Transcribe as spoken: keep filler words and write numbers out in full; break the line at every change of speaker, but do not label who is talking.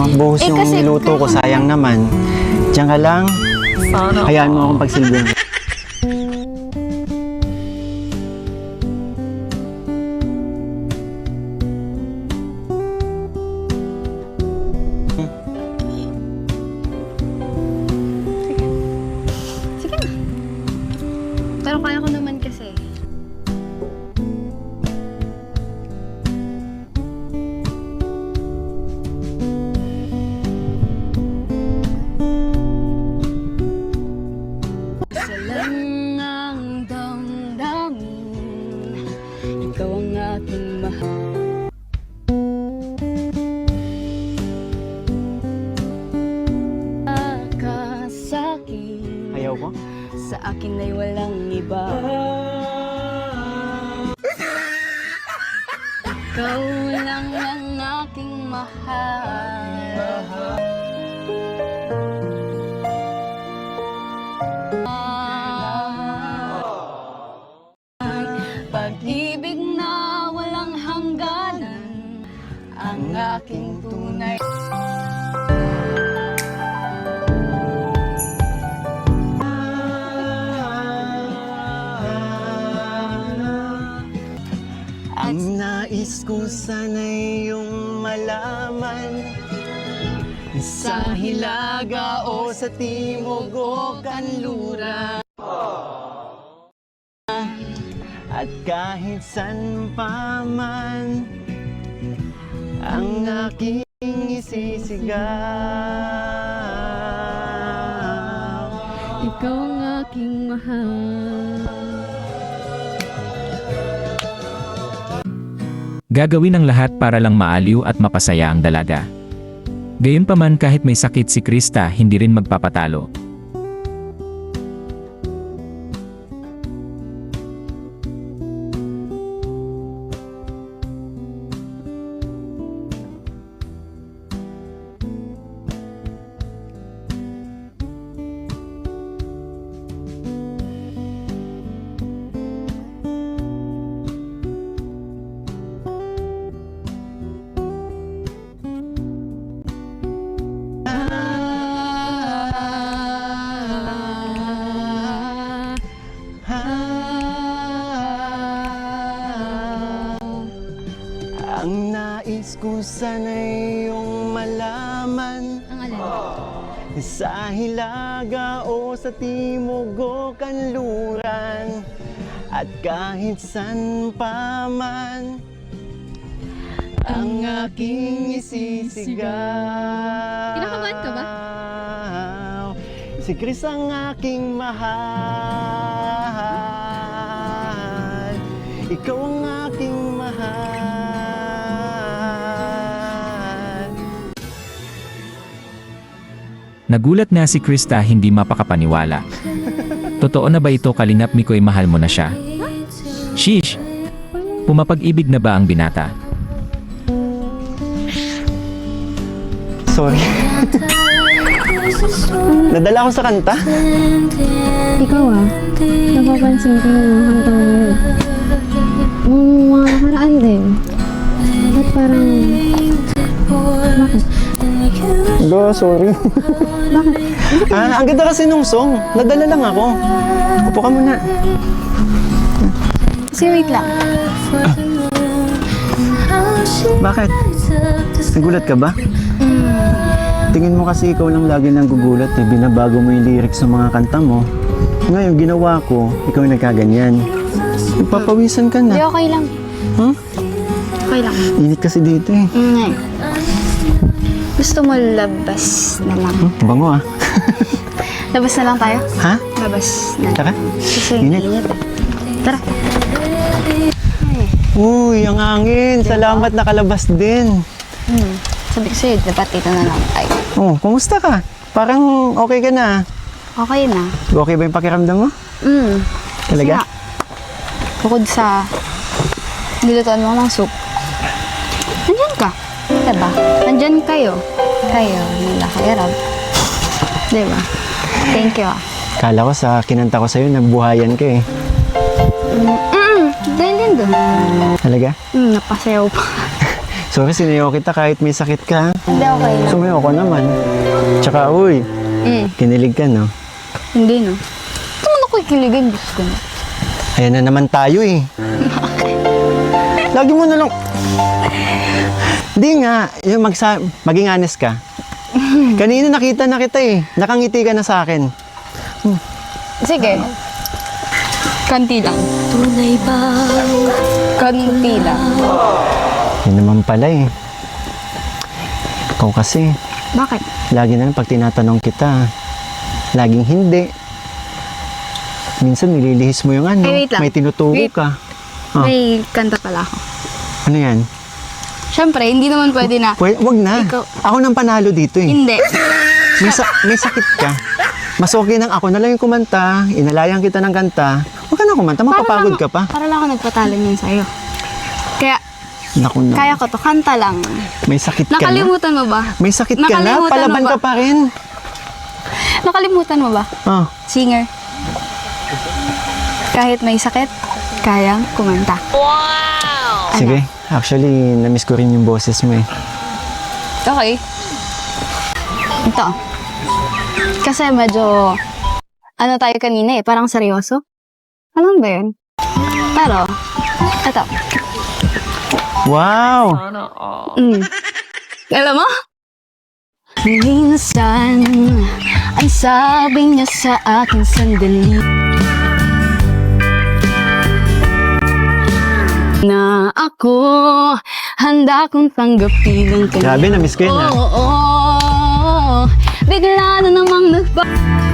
mabuhos
Eh,
yung
kasi-
niluto ko, sayang naman. Diyan ka lang. Hayaan mo akong pagsilbihan.
Sige na. Pero kaya ko naman kasi. Isa lang ang damdamin, ikaw ang aking mahal. Ka sa'kin,
Ayaw ko?
sa akin ay walang iba. Ikaw lang ang aking mahal. Pag-ibig na walang hangganan, ang aking tunay.
Ang nais ko sana'y iyong malaman, sa hilaga o sa timog o kanluran, at kahit san pa man ang aking isisigaw.
Ikaw ang aking mahal.
Gagawin ang lahat para lang maaliw at mapasaya ang dalaga. Gayunpaman kahit may sakit si Krista, hindi rin magpapatalo.
Ang nais ko sana'y iyong malaman,
Ang alin?
sa hilaga o sa timog o kanluran, at kahit san pa man ang aking isisigaw.
Kinakabahan ka ba?
Si Chris ang aking mahal, ikaw ang aking mahal.
Nagulat na si Krista, hindi mapakapaniwala. Totoo na ba ito, Kalingap Mikoy, mahal mo na siya? Sheesh! Pumapag-ibig na ba ang binata?
Sorry. Nadala ko sa kanta?
Ikaw ah, napapansin ko yung mga kanta mo ngayon. Yung mga nakaraan din. Ba't parang... Bakit?
Go, sorry.
Bakit?
Ah, ang ganda kasi nung song. Nadala lang ako. Upo ka muna.
Kasi wait lang.
Bakit? Nagulat ka ba? Tingin mo kasi ikaw lang lagi nang gugulat eh. Binabago mo yung lyrics ng mga kanta mo. Ngayon, ginawa ko, ikaw yung nagkaganyan. Ipapawisan ka
Hindi,
na.
okay lang.
Huh?
Okay lang.
Init kasi dito eh.
Mm. Gusto mo labas na lang.
Hmm, bango ah.
Labas na lang tayo?
Ha?
Labas na.
Tara.
Kasi
Init.
init. Tara.
Uy, ang hangin. Salamat nakalabas din.
Hmm. Sabi ko sa'yo, dapat dito na lang tayo.
Oh, kumusta ka? Parang okay ka na.
Okay na.
Okay ba yung pakiramdam mo?
Mm.
Talaga?
Kasi nga, bukod sa nilutuan mo ng soup, nandyan ka. Diba? Nandyan kayo. Kayo, nila kayo, Rob. Diba? Thank you ah.
Kala ko sa kinanta ko sa'yo, nagbuhayan ka eh.
Mm, dahil din doon.
Talaga?
Mm, napasayaw pa.
Sorry, sinayaw kita kahit may sakit ka.
Hindi, okay lang.
Sumayaw ko naman. Tsaka, uy,
Mm,
kinilig ka, no?
hindi, no? Ito mo ako ikiligan, Diyos ko na.
Ayan na naman tayo, eh. Lagi mo na lang... Hindi nga, yung magsa... maging honest ka. Kanina nakita na kita, eh. Nakangiti ka na sa akin.
Sige. Kanti lang. Kanti lang.
Yun naman pala, eh. Ikaw kasi,
Bakit?
lagi na lang pag tinatanong kita, laging hindi. Minsan nililihis mo yung ano,
Ay, wait lang.
may tinuturo
Wait.
ka. Ah.
May kanta pala ako.
Ano yan?
Siyempre, hindi naman pwede na.
Pwede, wag na.
Ikaw-
Ako nang panalo dito, eh.
Hindi.
May, sa- may sakit ka. Mas okay nang ako na lang yung kumanta, inalayan kita ng kanta. Huwag ka na kumanta, mapapagod ka pa.
Para lang ako nagpatalo niyan sa'yo. Kaya,
Naku na.
kaya ko to. Kanta lang.
May sakit ka na.
Nakalimutan mo ba?
May sakit ka na,
Nakalimutan
palaban
mo ba?
ka pa rin.
Nakalimutan mo ba?
Oh,
Singer. Kahit may sakit, kayang kumanta.
sige. Actually, namiss ko rin yung boses mo, eh.
Okay. Ito. Kasi medyo, ano tayo kanina eh, parang seryoso. Alam ba yun? Pero, ito.
Wow!
Mm. Alam mo? Minsan, ay sabi niya sa akin sandali na ako handa kong tanggapin ang kanya.
Grabe, namiss ko yun, ah.
Oo, oo, bigla na namang nagpa...